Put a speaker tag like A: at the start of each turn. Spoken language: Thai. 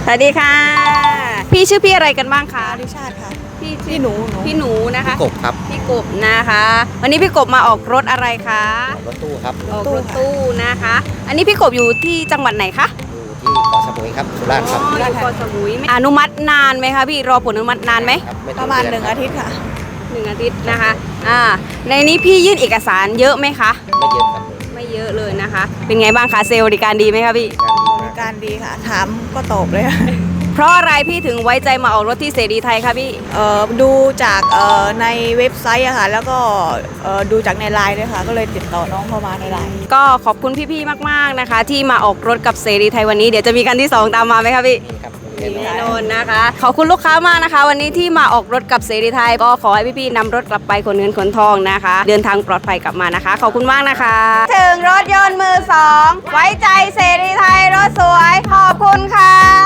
A: วัสดีค่ะพี่ชื่อพี่อะไรกันบ้างคะ
B: ดิชาติค่ะ
A: พี่หนูนะคะ
C: กบครับ
A: พี่กบนะคะ วันนี้พี่กบมาออกรถอะไรคะ
C: รถตู้ครับ
A: ออกรถตู้นะคะ อันนี้พี่กบอยู่ที่จังหวัดไหนคะ
C: อยู่ที่เกาะสมุยครับสุราษฎร์ครับ
A: อ๋ออยู่เกาะสมุยอนุมัตินานไหมคะพี่รอผลอนุมัตินานไหม
C: ครับไ
B: ประมาณ
C: เดือน
B: 1 อาทิตย์ค่ะ
A: 1 อาทิตย์นะคะในนี้พี่ยื่นเอกสารเยอะไหมคะ
C: ไม่เยอะครับ
A: ไม่เยอะเลยนะคะ เป็นไงบ้างคะเซลล์บริการดีไหมคะพี่
C: การดีมาก
B: การดีค่ะ ถามก็ตอบเลยค่ะ
A: เพราะอะไรพี่ถึงไว้ใจมาออกรถที่เสรีไทยคะพี่
B: ดูจากในเว็บไซต์อะค่ะ แล้วก็ดูจากในไลน์ด้วยค่ะ ก็เลยติดต่อน้องเข้ามาในไลน์
A: ก็ขอบคุณพี่ๆมากๆนะคะ ที่มาออกรถกับเสรีไทยวันนี้เดี๋ยวจะมีคันที่ 2 ตามมาไหมคะพี่
C: นี่ครับ
A: แน่นอนนะคะขอบคุณลูกค้ามากนะคะ วันนี้ที่มาออกรถกับเสรีไทยก็ขอให้พี่ๆนำรถกลับไปขนเงินขนทองนะคะ เดินทางปลอดภัยกลับมานะคะ ขอบคุณมากนะคะ ถึงรถยนต์มือ 2 ไว้ใจเสรีไทยรถสวยขอบคุณค่ะ